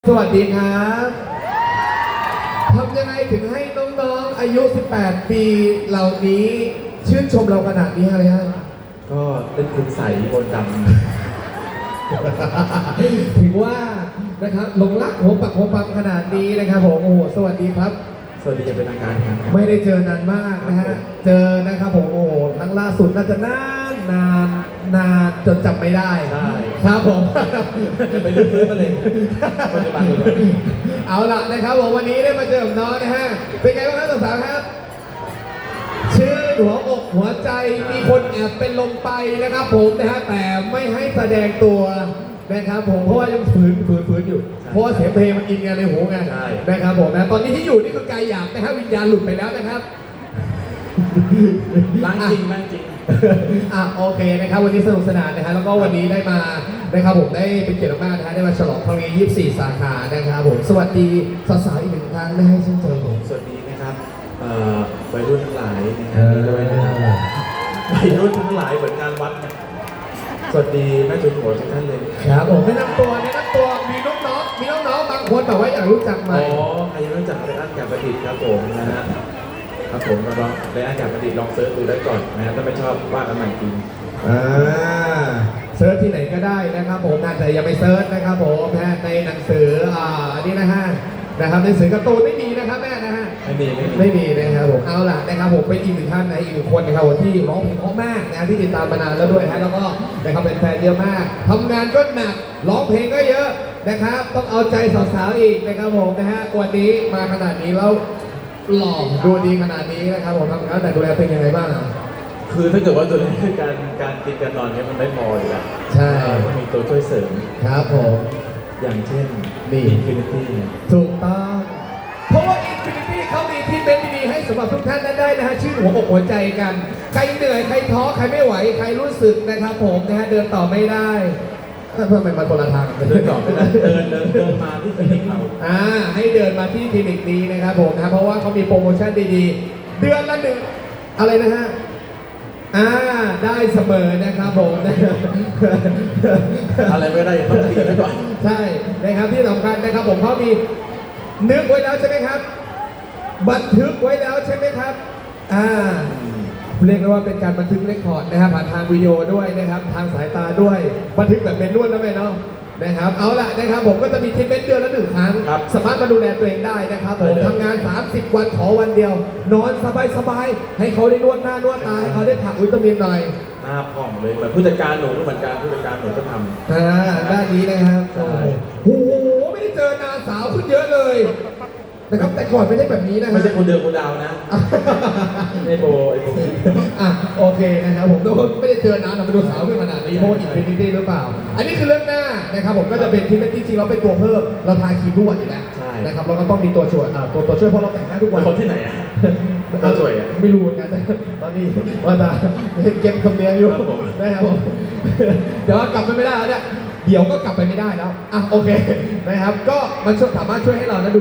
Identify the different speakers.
Speaker 1: สวัสดีครับทำยังไงถึงให้น้องๆอายุ 18 ปีเหล่านี้ชื่นชมเราขนาดนี้อะไรฮะ
Speaker 2: ก็เป็นคุณใสมนต์ด
Speaker 1: ถือว่านะครับหลงรักหัวปักหัวปั๊มขนาดนี้นะครับผมโอ้โหสวัสดีครับ
Speaker 2: ำสวัสดีจะเป็นทางการครับ
Speaker 1: ไม่ได้เจอนานมากนะฮะเจอนะครับผมโอ้โหครั้งล่าสุดน่าจะนานจนจำไม่ได้
Speaker 2: ใช่
Speaker 1: ครับผม
Speaker 2: ไปลื้อฟื้นมาเลยปัจจุบันเลย
Speaker 1: เอาล่ะนะครับผมวันนี้ได้มาเจอกับน้องนะฮะเป็นไงบ้างครับสาวๆครับ ชื่อหัวอกหัวใจมีคนแอบเป็นลมไปนะครับผมนะฮะแต่ไม่ให้แสดงตัวนะครับผมเพราะว่ายังฝืนอยู่เพราะว่าเสียงเพลงมันอินกันในหูไงนะครับผมนะตอนนี้ที่อยู่นี่คือกายหยาบนะฮะวิญญาณหลุดไปแล้วนะครับ
Speaker 2: ล้างจริงล้างจริง
Speaker 1: โอเคนะครับวันนี้สนุกสนานนะฮะแล้วก็วันนี้ได้มานะครับผมได้เป็นเกียรติมากนะฮะได้มาฉลองครั้งนี้24 สาขานะครับผมสวัสดีสาวๆอีกหนึ่งครั้งนะฮะเช่นเคยผม
Speaker 2: สวัสดีนะครับวัยรุ่นทั้งหลายนะครับด้วยนะครับวัยรุ่นทั้งหลายเหมือนงานวัดเนี่ยสวัสดีแม่จุนหัวทุกท่านเลย
Speaker 1: ครับผมแนะนำตัวมีน้องๆบางคนแต่ว่าอยากรู้จักไหม
Speaker 2: ใครยังไม่รู้จักไรอันกับประดิษฐ์ครับผมนะฮะครับผมก็ลองไรอันกับประดิษฐ์ลองเซิร์ชดูได้ก่อนนะฮะถ้าไม่ชอบว่ากันใหม่จริง
Speaker 1: เซิร์ชที่ไหนก็ได้นะครับผมนะแต่อย่าไปเซิร์ชนะครับผมนะในหนังสืออันนี้นะฮะนะครับในหนังสือการ์ตูนไม่มีนะครับแม่นะฮะ ไม่มีนะครับผมเอาล่ะนะครับผมเป็นอีกหนึ่งท่านนะอีกหนึ่งคนนะครับผมที่ร้องเพลงเพราะมากนะที่ติดตามมานานแล้วด้วยนะแล้วก็นะครับเป็นแฟนเยอะมากทำงานก็หนักร้องเพลงก็เยอะนะครับต้องเอาใจสาวๆอีกนะครับผมนะฮะวันนี้มาขนาดนี้แล้วหล่อดูดีขนาดนี้นะครับผมทำงานแต่ดูแลเป็นยังไงบ้างอ่ะ
Speaker 2: คือถ้าเกิดว่าตัวนี้การกินการนอนเนี่ยมันไม่พออยู่แล้ว
Speaker 1: ใช่
Speaker 2: ต้องมีตัวช่วยเสริม
Speaker 1: ครับผม
Speaker 2: อย่างเช่น
Speaker 1: นี่
Speaker 2: Infinity เนี่ย
Speaker 1: ถูกต้องเพราะว่า Infinity เขามีที่เป็นดีๆให้สำหรับทุกท่านนั้นได้นะฮะชื่อหัวอกหัวใจกัน ใครเหนื่อยใครท้อใครไม่ไหวใครรู้สึกนะครับผมนะฮะเดินต่อไม่ได้เพื่อมันมาคนละทางกัน
Speaker 2: เดินต่อไม่ได้เดินมาที่คลินิกเรา
Speaker 1: ให้เดินมาที่คลินิกนี้นะครับผมนะเพราะว่าเขามีโปรโมชั่นดีๆเดือนละหนึ่งอะไรนะฮะได้เสมอนะครับผม
Speaker 2: อะไรไม่ได้ต้องตีไว้ก่อน
Speaker 1: ใช่นะครับที่สำคัญนะครับผมเขามีนึกไว้แล้วใช่ไหมครับ บันทึกไว้แล้วใช่ไหมครับเรียกได้ว่าเป็นการบันทึกเรคคอร์ดนะครับผ่านทางวิดีโอด้วยนะครับทางสายตาด้วยบันทึกแบบเป็นนวดนะแม่เนาะนะครับเอาล่ะนะครับผมก็จะมีทรีทเมนต์เดือนละ1 ครั้งสามารถมาดูแลตัวเองได้นะครับผมทำงาน30 วันขอวันเดียวนอนสบายๆให้เขาได้นวดหน้านวดตาให้เขาได้ผักวิตามินหน่อย
Speaker 2: หน้าผ่องเลยเหมือนผู้จัดการหนูก็เหมือนกันผู้จัดการหนูก็ทำ
Speaker 1: ด้านนี้นะครับ
Speaker 2: ใช่
Speaker 1: โอ้โหไม่ได้เจอนานสาวขึ้นเยอะเลยนะครับแต่ก่อนไม่ได้แบบนี้นะ
Speaker 2: ไม่ใช่คนเดิมคนดาวนะไอโบ
Speaker 1: โอเคนะครับผมต้องไม่ได้เจอนานเราไปดูสาวขึ้นขนาดนี้เพราะว่าอินฟินิตี้หรือเปล่า อันนี้คือเรื่องหน้านะครับผมก็จะเป็นที่จริงๆเราเป็นตัวเพิ่มเราทาครีมทุกวันอยู่แล้วนะครับเราก็ต้องมีตัวช่วยตัวช่วยเพราะเราแต่งหน้าทุกวัน
Speaker 2: คนที่ไหนอ่ะตัวช่วยอ่ะ
Speaker 1: ไม่รู้เหมือนกันตอนนี้ว่าตาเก็บคำเนียงอยู่
Speaker 2: ครับผม
Speaker 1: นะครับผมเดี๋ยวกลับไปไม่ได้แล้วเนี่ยเดี๋ยวก็กลับไปไม่ได้แล้วโอเคนะครับก็มันสามารถช่วยให้เรานะ